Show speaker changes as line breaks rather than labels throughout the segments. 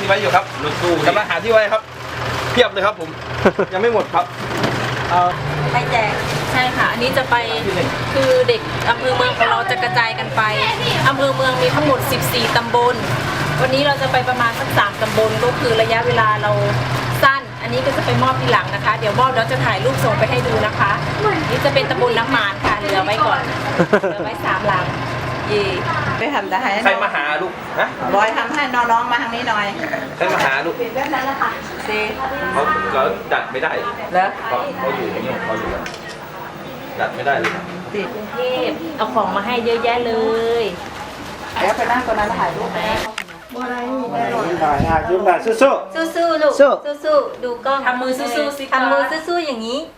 ไว้อยู่ครับรถตู้กำลังหาที่ไว้ครับเพียบเลยครับผม ยังไม่หมดครับ
ไปแจกใช่ค่ะอันนี้จะไปคือเด็กอำเภอเมืองของเราจะกระจายกันไปอำเภอเมืองมีทั้งหมด14ตำบลวันนี้เราจะไปประมาณสัก3ตำบลก็คือระยะเวลาเราสั้นอันนี้ก็จะไปมอบทีหลังนะคะเดี๋ยวมอบแล้วจะถ่ายรูปส่งไปให้ดูนะคะนี่จะเป็นตำบลน้ำหมานค่ะเหลือไว้ก่อนเหลือไว้3หลัง
ไปทำแต่ให้
ใครมาหาลูกฮะ
บอยทำให้น้องๆมาทางนี้หน่อย
ใครมาหาลูก
แบบนั้นแหละค่ะ
เขาดัดไม่ได้
แล้ว
เขาอยู่อย่างนี้เขาอยู่ดัดไม่ได้เลย
ติดกรุงเทพเอาของมาให้เยอะแยะเลย
แล้วไปนั่งตรงนั้นถ่ายรูปไหม
สู้ๆลูกสู้ๆดูกล้องทำมือสู้ๆสิทำมือสู้ๆอย่างนี้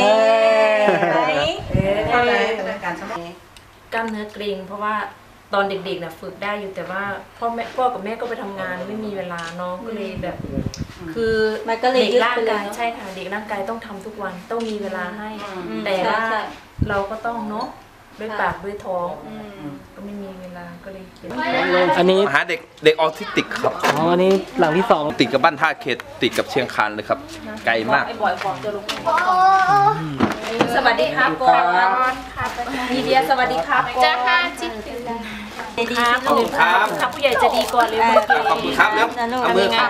เท่าไหร่การสมอง
กล้ามเนื้อเกร็งเพราะว่าตอนเด็กๆน่ะฝึกได้อยู่แต่ว่าพ่อกับแม่ก็ไปทำงานไม่มีเวลาน้องก็เลยแบบคือเด็กร่างกายใช่ค่ะเด็กร่างกายต้องทำทุกวันต้องมีเวลาให้แต่ว่าเราก็ต้องเนาะด้วยปากด้วยท้องก็ไม่มีเวลาก็เลย
อันนี้หาเด็กออทิสติกครับ
อันนี้หลังที่2
ติดกับบ้านท่าเขตติดกับเชียงคานเลยครับไกลมาก
สวัสดีครับก่อนมีเดียสวัสดีครับจ้าค่ะจิ๊บครับขอบคุณครับผู้ใหญ่จะดีก่อนเลย
ขอบคุณครับแล้วเอามือครับ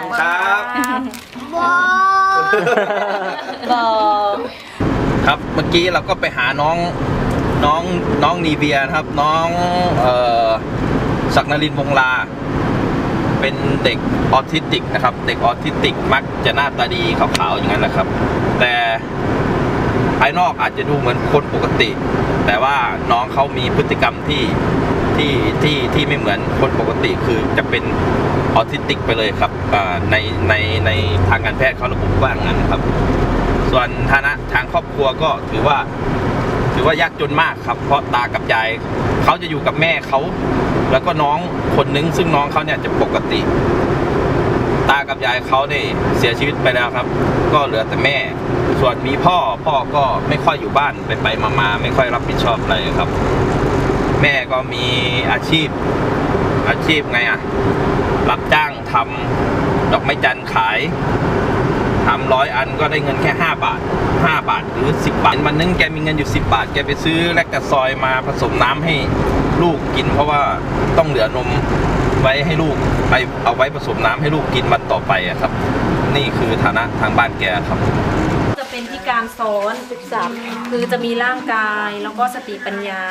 ครับเมื่อกี้เราก็ไปหาน้องนีเบียนะครับน้องศักดิ์นรินทร์วงลาเป็นเด็กออทิสติกนะครับเด็กออทิสติกมักจะหน้าตาดีขาวๆอย่างนั้นนะครับแต่ภายนอกอาจจะดูเหมือนคนปกติแต่ว่าน้องเขามีพฤติกรรมที่ไม่เหมือนคนปกติคือจะเป็นออทิสติกไปเลยครับในทางการแพทย์เขาระบุว่าอย่างนั้นครับส่วนฐานะทางครอบครัวก็ถือว่ายากจนมากครับเพราะตากับยายเขาจะอยู่กับแม่เขาแล้วก็น้องคนนึงซึ่งน้องเขาเนี่ยจะปกติตากับยายเขาเนี่ยเสียชีวิตไปแล้วครับก็เหลือแต่แม่ส่วนมีพ่อก็ไม่ค่อยอยู่บ้านไปมาไม่ค่อยรับผิดชอบอะไรครับแม่ก็มีอาชีพไงอ่ะรับจ้างทำดอกไม้จันทร์ขายทำ100 อันก็ได้เงินแค่5 บาทหรือ10 บาทวันนึงแกมีเงินอยู่10 บาทแกไปซื้อแลคตาซอยมาผสมน้ำให้ลูกกินเพราะว่าต้องเหลือนมไว้ให้ลูกไปเอาไว้ผสมน้ำให้ลูกกินวันต่อไปอะครับนี่คือฐานะทางบ้านแกครับ
จะเป็นที่การสอนศึกษาคือจะมีร่างกายแล้วก็สติปัญญา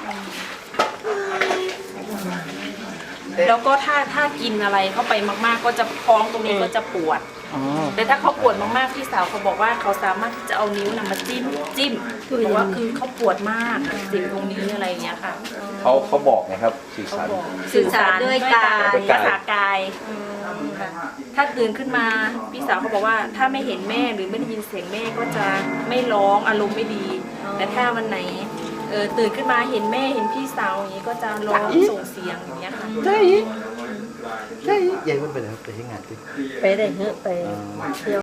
แล้วก็ถ้ากินอะไรเข้าไปมากๆก็จะท้องตรงนี้ก็จะปวดแต่ถ้าเขาปวดมากๆพี่สาวเขาบอกว่าเขาสามารถที่จะเอานิ้วนำมาจิ้มคือว่าคือเขาปวดมากเจ็บตรงนี้อะไรอย่างเงี้ยค่ะ
เขาบอกนะครับ
สื่อสารด้วยกายภาษากายถ้าตื่นขึ้นมาพี่สาวเขาบอกว่าถ้าไม่เห็นแม่หรือไม่ได้ยินเสียงแม่ก็จะไม่ร้องอารมณ์ไม่ดีแต่ถ้าวันไหนตื่นขึ้นมาเห็นแม่เห็นพี่สาวอย่างนี้ก็จะร้องส่งเสียงอย่างเงี้ยค่ะ
ใช่ยายมันไปไหนไปที่งานที่
ไปได้เฮ้ไปเที่ยว